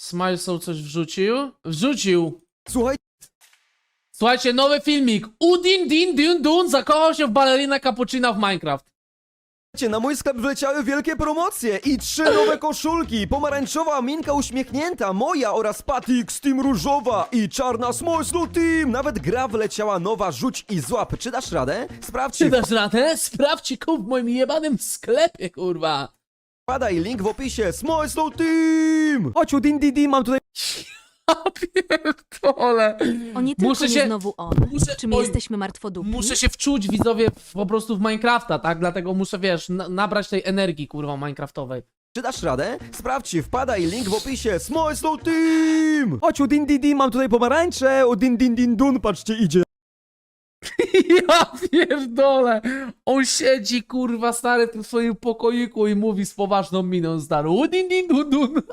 Smilesou coś wrzucił? Wrzucił! Słuchaj, Słuchajcie, nowy filmik. Udin Din Dun Dun zakochał się w balerina cappuccina w Minecraft. na mój sklep wleciały wielkie promocje i 3 nowe koszulki. Pomarańczowa Minka uśmiechnięta, moja oraz Patix Team różowa i czarna Smolslow Team. Nawet gra wleciała nowa, rzuć i złap. Czy dasz radę? Sprawdź. Czy dasz radę? Sprawdźcie kup w moim jebanym sklepie, kurwa. Wpadaj, link w opisie. Smolslow Team! Chodź, Udin, mam tutaj... Ja pierdolę. O nie tylko Muszę nie się- znowu on. muszę- Czy my oj, jesteśmy martwodupni? Muszę się wczuć, widzowie, po prostu w Minecrafta, tak? Dlatego muszę, wiesz, nabrać tej energii, kurwa, minecraftowej. Czy dasz radę? Sprawdź, wpadaj, link w opisie. Smolslow Team! Chodź, Udin, mam tutaj pomarańcze. Udin, dun, patrzcie, idzie. Ja pierdolę. On siedzi, kurwa, stary, w tym swoim pokoiku i mówi z poważną miną, stary. Udin Din Dun Dun.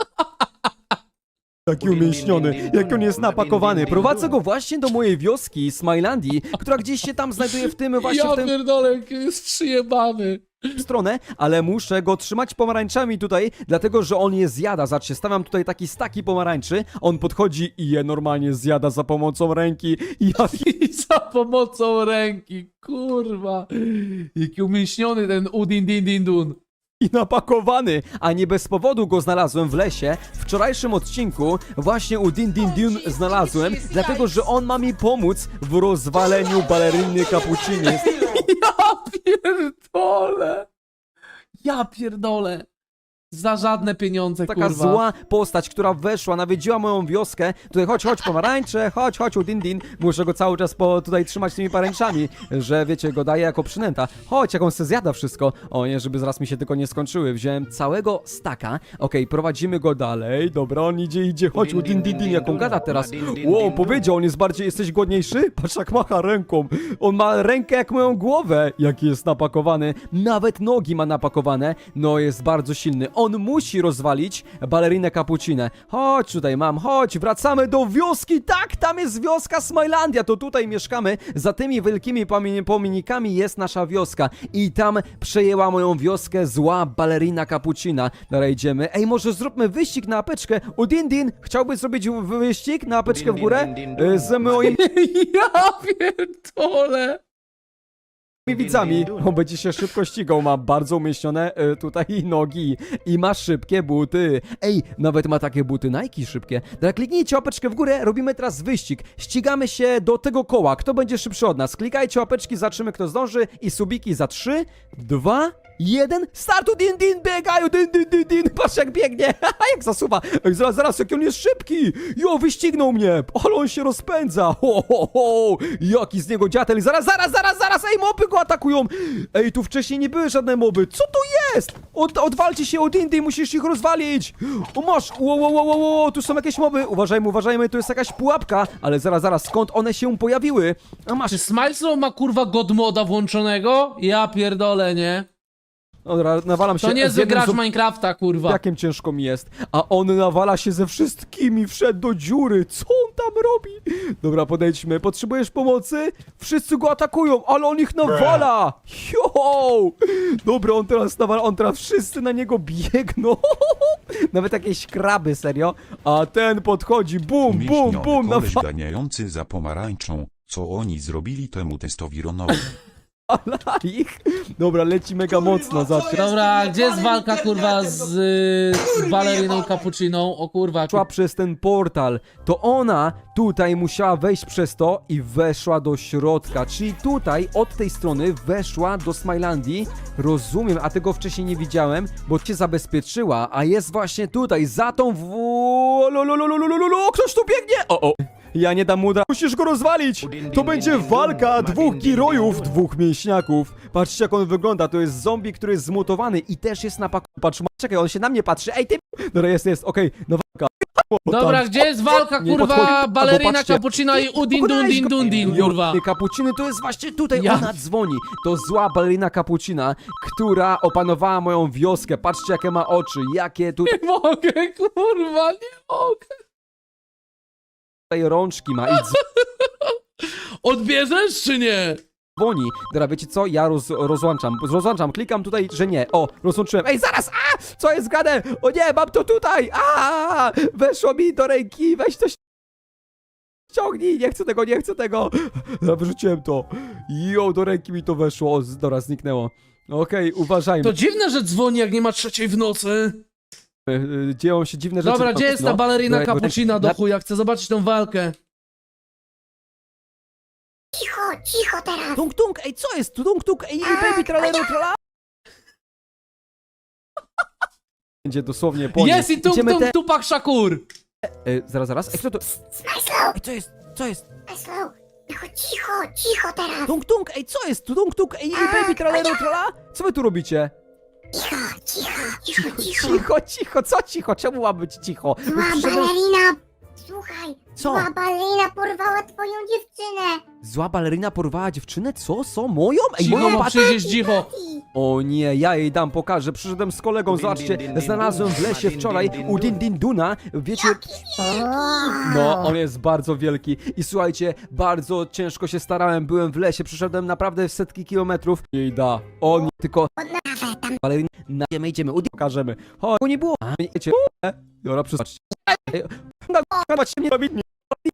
Taki umięśniony, jak on jest napakowany. Prowadzę go właśnie do mojej wioski, Smilandii, która gdzieś się tam znajduje w tym właśnie Ja w tym pierdolę, jaki jest przyjebany. stronę, ale muszę go trzymać pomarańczami tutaj, dlatego że on je zjada. Zobaczcie, stawiam tutaj taki staki pomarańczy, on podchodzi i je normalnie zjada za pomocą ręki. I za pomocą ręki, kurwa. Jaki umięśniony ten Udin Din Din Dun. I napakowany, a nie bez powodu go znalazłem w lesie. W wczorajszym odcinku właśnie u Din znalazłem, dlatego że on ma mi pomóc w rozwaleniu baleriny cappucciny. Ja pierdolę. Ja pierdolę. Za żadne pieniądze, Taka kurwa. zła postać, która weszła, nawiedziła moją wioskę. Tutaj chodź pomarańcze, chodź Udin. Muszę go cały czas tutaj trzymać tymi paręczami, że wiecie, go daję jako przynęta. Chodź, jak on se zjada wszystko. O nie, żeby zaraz mi się tylko nie skończyły. Wziąłem całego staka. Okej, prowadzimy go dalej. Dobra, on idzie. Chodź Udin, jak on gada teraz. Wow, powiedział, on jest bardziej, jesteś głodniejszy? Patrz jak macha ręką. On ma rękę jak moją głowę. Jaki jest napakowany. Nawet nogi ma napakowane. No, jest bardzo silny. On musi rozwalić balerinę cappuccinę. Chodź tutaj, chodź, wracamy do wioski. Tak, tam jest wioska Smilandia, to tutaj mieszkamy. Za tymi wielkimi pomnikami jest nasza wioska. I tam przejęła moją wioskę zła balerina cappuccina. Dobra, idziemy. Ej, może zróbmy wyścig na apeczkę. Udin, chciałbyś zrobić wyścig na apeczkę w górę? Z moimi Ja pierdolę. widzami. On będzie się szybko ścigał, ma bardzo umieśnione tutaj nogi i ma szybkie buty. Ej, nawet ma takie buty Nike szybkie. Dobra, kliknijcie łapeczkę w górę, robimy teraz wyścig. Ścigamy się do tego koła. Kto będzie szybszy od nas? Klikajcie łapeczki, zobaczymy kto zdąży i subiki za 3, 2, 1, start! Udin, biegają, din. Patrz jak biegnie, jak zasuwa. Ej, zaraz, jak on jest szybki. Jo, wyścignął mnie, ale on się rozpędza. Ho, jaki z niego dziatel. Zaraz, ej, moby go atakują. Ej, tu wcześniej nie były żadne moby. Co to jest? Odwalcie się, Udin, musisz ich rozwalić. O, masz, wow, tu są jakieś moby. Uważajmy, tu jest jakaś pułapka. Ale zaraz, skąd one się pojawiły? A masz, Czy Smileslow ma, kurwa, god moda włączonego? Ja pierdolę, nie? dobra, nawalam się. To nie z jednym gracz Minecrafta, kurwa. Jakiem ciężko mi jest. A on nawala się ze wszystkimi, wszedł do dziury. Co on tam robi? Dobra, podejdźmy. Potrzebujesz pomocy? Wszyscy go atakują, ale on ich nawala. Jo! Dobra, on teraz wszyscy na niego biegną. Nawet jakieś kraby, serio. A ten podchodzi, bum, Koleś nawala ganiający za pomarańczą, co oni zrobili temu testowironowi. ich. Dobra, leci mega mocno. Zobacz. Dobra, gdzie jest walka, kurwa, z baleriną cappucciną? O kurwa, Szła przez ten portal, to ona tutaj musiała wejść przez to i weszła do środka, czyli tutaj od tej strony weszła do Smilandii, rozumiem, a tego wcześniej nie widziałem, bo cię zabezpieczyła, a jest właśnie tutaj, za tą ktoś tu biegnie! O! Ja nie dam mu musisz go rozwalić! To będzie walka dwóch girojów, dwóch mięśniaków. Patrzcie jak on wygląda, to jest zombie, który jest zmutowany i też jest na paku. Patrz, czekaj, on się na mnie patrzy, ej ty! Dobra, jest, okej, no walka. Dobra, gdzie jest walka, Nie kurwa, podchodzi- balerina patrzcie. cappuccina i Udin Dun Din, kurwa. Kapuciny to jest właśnie tutaj, Ja- ona dzwoni. To zła balerina Kapucina, która opanowała moją wioskę. Patrzcie jakie ma oczy, jakie tutaj Nie mogę, kurwa, nie mogę. rączki ma i Odbierzesz czy nie? dzwoni. Dobra, wiecie co? Ja rozłączam, klikam tutaj, że nie. O, rozłączyłem. Ej, zaraz! A! Co jest gadane? O nie, mam to tutaj! A! Weszło mi do ręki, weź to ściągnij, nie chcę tego. Ja wyrzuciłem to. Jo, do ręki mi to weszło. O, dobra, zniknęło. Okej, uważajmy. To dziwne, że dzwoni, jak nie ma 3 w nocy. Dzieją się dziwne rzeczy. Dobra, gdzie jest ta balerina Dobra, cappuccina do na- chuja? Chcę zobaczyć tą walkę. Cicho teraz! Tung, tung, ej, co jest? Tung, tung, ej, baby, tralero, trala. Będzie dosłownie po nim. Jest i tung Idziemy tung Tupak Shakur! Zaraz. Ej, kto to? Smajslow! Ej, co jest? Smajslow! Cicho teraz! Tung, tung, ej, co jest? Tung, tung, ej, baby, tralero, trala. Co wy tu robicie? Cicho! Co cicho? Czemu ma być cicho? Zła balerina! Słuchaj! Co? Zła balerina porwała twoją dziewczynę! Zła balerina porwała dziewczynę? Co? Moją? Ej, Cicho, moją bo patę? przyjdziesz cicho. O nie, ja jej dam, pokażę. Przyszedłem z kolegą, zobaczcie. Znalazłem w lesie wczoraj u Dindinduna. Wiecie... No, on jest bardzo wielki. I słuchajcie, bardzo ciężko się starałem. Byłem w lesie, przyszedłem naprawdę w setki kilometrów. Jej da. On tylko... Balerina... Idziemy. Pokażemy. Chodź, nie było. Wiecie... Dobra, przypatrzcie. Nie robić nie.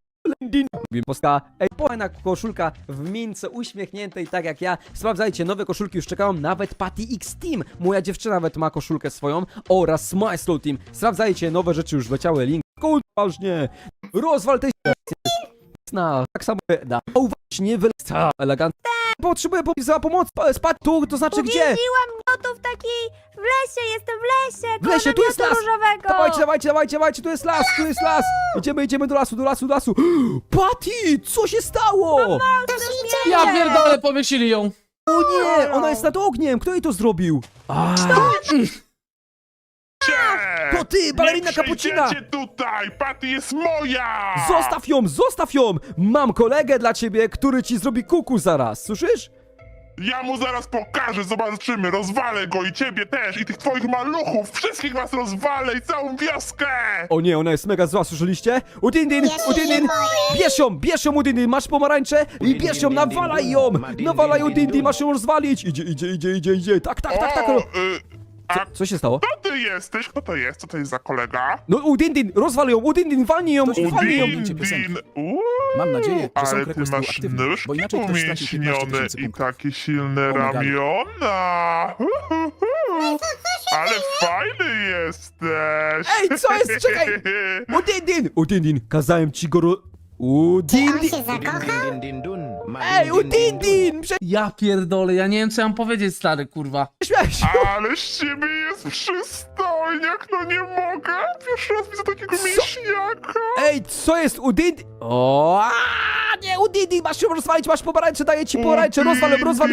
Ej, fajna koszulka w mince, uśmiechniętej tak jak ja. Sprawdzajcie, nowe koszulki już czekają, nawet Patty X Team. Moja dziewczyna nawet ma koszulkę swoją oraz Smile Team. Sprawdzajcie, nowe rzeczy już leciały, link. Ważnie. Rozwal tej tak samo da. O, właśnie, wyleca elegancko. Potrzebuję pomoc. Spadł tu, to znaczy gdzie? Uwięziłam miotów takiej w lesie, jestem w lesie, W lesie, tu jest las. różowego. Dawajcie, tu jest las. Idziemy do lasu. Patty, co się stało? Ja pierdolę, powiesili ją. O nie, ona jest nad ogniem, kto jej to zrobił? To ty, balerina cappuccina! Nie tutaj! Patty jest moja! Zostaw ją! Mam kolegę dla ciebie, który ci zrobi kuku zaraz, słyszysz? Ja mu zaraz pokażę, zobaczymy, rozwalę go i ciebie też, i tych twoich maluchów, wszystkich was rozwalę i całą wioskę! O nie, ona jest mega zła, słyszeliście? Udindin! Bierz ją Udindin, masz pomarańcze i bierz ją, nawalaj ją! Nawalaj Udindin, masz ją rozwalić! Idzie, tak. Co się stało? Kto ty jesteś? Kto to jest? Co to jest za kolega? No Udindin, rozwal ją, Udindin, walnij ją! Udindin! Mam nadzieję, że są Ale ty po prostu masz aktywne, nóżki bo inaczej ktoś straci 15 umięśnione 000 i punktów. takie silne Pomagali. ramiona! Ale fajny jesteś! Ej, co jest? Czekaj! Udindin, kazałem ci go On się zakochał? Ej, Udindin! Ja pierdolę, ja nie wiem co ja mam powiedzieć, stary, kurwa. Prześmiałeś się! Ale z ciebie jest przystojniak, no nie mogę! Pierwszy raz widzę takiego mięśniaka! Ej, co jest Udindin? O, nie, Udindin, masz ją rozwalić, masz pomarańcze, daję ci pomarańcze, rozwal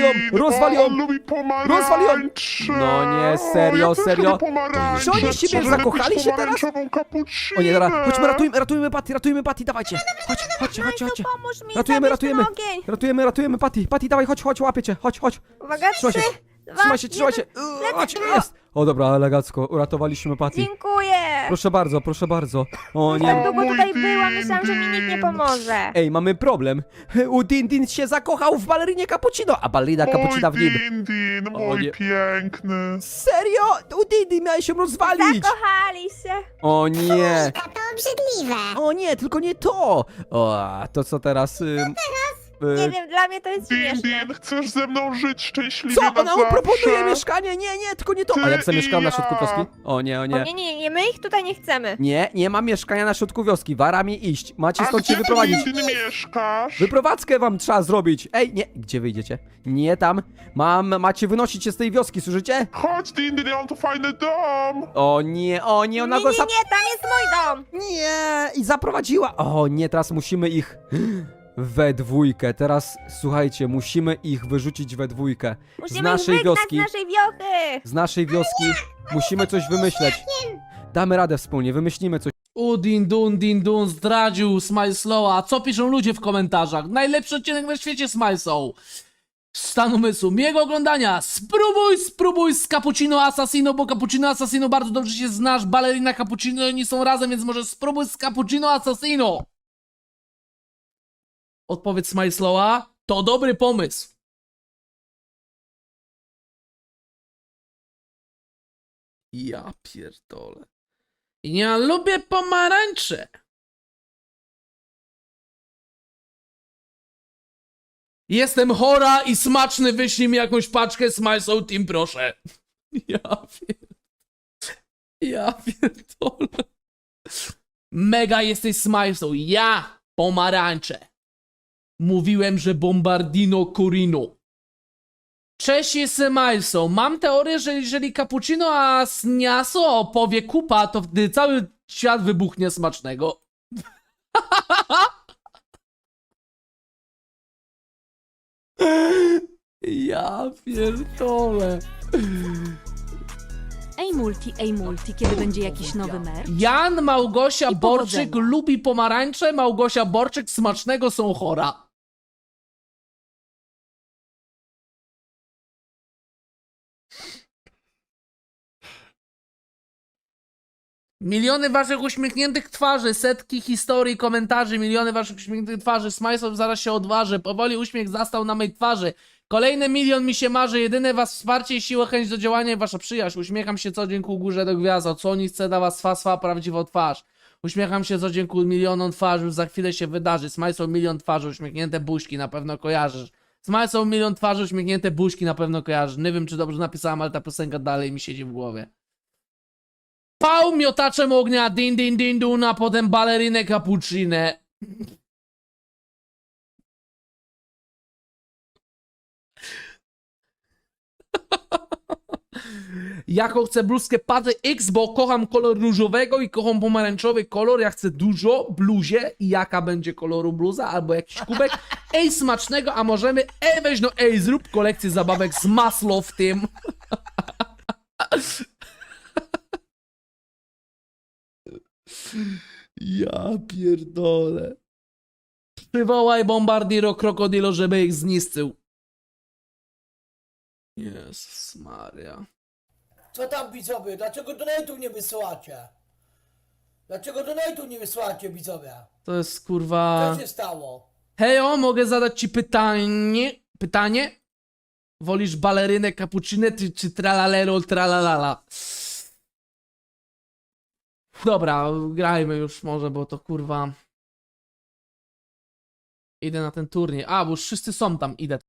ją! On lubi pomarańcze! No nie, serio, ja też serio? lubię pomarańcze. Czy oni z siebie Może zakochali lepiej się teraz? pomarańczową cappuccinę. O nie, dobra, chodźmy, ratujmy Patty, dawajcie. Chodźcie. Pomóż mi, Ratujemy. zabierz ten ogień. Ratujemy Patty. Patty, dawaj, chodź, łapię cię, chodź. Uwaga, Trzymaj się. 3, 2, Trzymaj się. Chodź, jest. O dobra, elegancko, uratowaliśmy Patty. Dziękuję. Proszę bardzo. O Tak nie. długo mój tutaj byłam, myślałam, że mi nikt nie Din. pomoże. Ej, mamy problem. Udindin się zakochał w balerinie cappuccino, a balerina cappuccina w nim. Din, O mój nie. piękny. Serio? Udindin miałeś się rozwalić. Zakochali się. O nie. To obrzydliwe! O nie, tylko nie to. O, a to co teraz? Nie wiem, dla mnie to jest śmieszne. Din, chcesz ze mną żyć szczęśliwie Co? na Ona mu zawsze? proponuje mieszkanie? Nie, tylko nie to. A jak zamieszkam na środku wioski? O nie. O, nie, my ich tutaj nie chcemy. Nie ma mieszkania na środku wioski. Wara mi iść. Macie A stąd się gdzie ty, wyprowadzić. Din, mieszkasz? Wyprowadzkę wam trzeba zrobić. Ej, nie. Gdzie wyjdziecie? Nie tam. Macie wynosić się z tej wioski, słyszycie? Chodź, Din, ja mam tu fajny dom. O nie, ona Nie, go nie, nie, tam jest mój dom. Nie, i zaprowadziła. O nie, teraz musimy ich we dwójkę. Teraz, słuchajcie, musimy ich wyrzucić we dwójkę. Musimy z naszej ich wygnać wioski. z naszej wiochy. Z naszej wioski musimy coś wymyśleć. Damy radę wspólnie, wymyślimy coś. Din dun, zdradził Smile Slowa. Co piszą ludzie w komentarzach? Najlepszy odcinek na świecie Smile Soul. Stan umysłu, miłego oglądania. Spróbuj z Cappuccino Assassino, bo Cappuccino Assassino bardzo dobrze się znasz. Balerina Cappuccino, oni są razem, więc może spróbuj z Cappuccino Assassino. Odpowiedź Smile Slowa. To dobry pomysł. Ja pierdolę. Ja lubię pomarańcze. Jestem chora i smaczny, wyślij mi jakąś paczkę Smile Team, proszę. Ja pierdolę. Mega jesteś Smile, ja pomarańcze. Mówiłem, że Bombardino Corino. Cześć, jestem Mileso. Mam teorię, że jeżeli cappuccino a Sniaso opowie kupa, to wtedy cały świat wybuchnie smacznego. Ja pierdolę. Ej multi, kiedy będzie jakiś nowy merch? Jan Małgosia I Borczyk powodzenia. lubi pomarańcze. Małgosia Borczyk smacznego są chora. Miliony waszych uśmiechniętych twarzy, setki historii, komentarzy, miliony waszych uśmiechniętych twarzy. Smajsów zaraz się odważy. Powoli uśmiech zastał na mej twarzy. Kolejny milion mi się marzy. Jedyne was wsparcie i siła, chęć do działania i wasza przyjaźń. Uśmiecham się co dzień ku górze do gwiazd. Co nic chce da was swa prawdziwą twarz. Uśmiecham się co dzień ku milionom twarzy. Już za chwilę się wydarzy. Smajsą milion twarzy, uśmiechnięte buźki, na pewno kojarzysz. Smajsą milion twarzy, uśmiechnięte buźki, na pewno kojarzysz. Nie wiem czy dobrze napisałem, ale ta piosenka dalej mi siedzi w głowie. Pał miotaczem ognia, din din din duna, potem balerinę cappuccinę. Jaką chcę bluzkę Patty X, bo kocham kolor różowego i kocham pomarańczowy kolor. Ja chcę dużo bluzie i jaka będzie koloru bluza albo jakiś kubek. Ej, smacznego, a możemy, weź no zrób kolekcję zabawek z masło w tym. Ja pierdolę. Przywołaj Bombardiro Krokodilo, żeby ich zniszczył. Jezus Maria. Co tam widzowie? Dlaczego donate'ów nie wysyłacie? Dlaczego donate'ów nie wysyłacie widzowie? To jest kurwa... Co się stało? Hejo, mogę zadać ci pytanie? Pytanie? Wolisz balerynę cappuccinę czy tralalero tralalala? Dobra, grajmy już może, bo to kurwa... Idę na ten turniej. A, bo już wszyscy są tam, idę.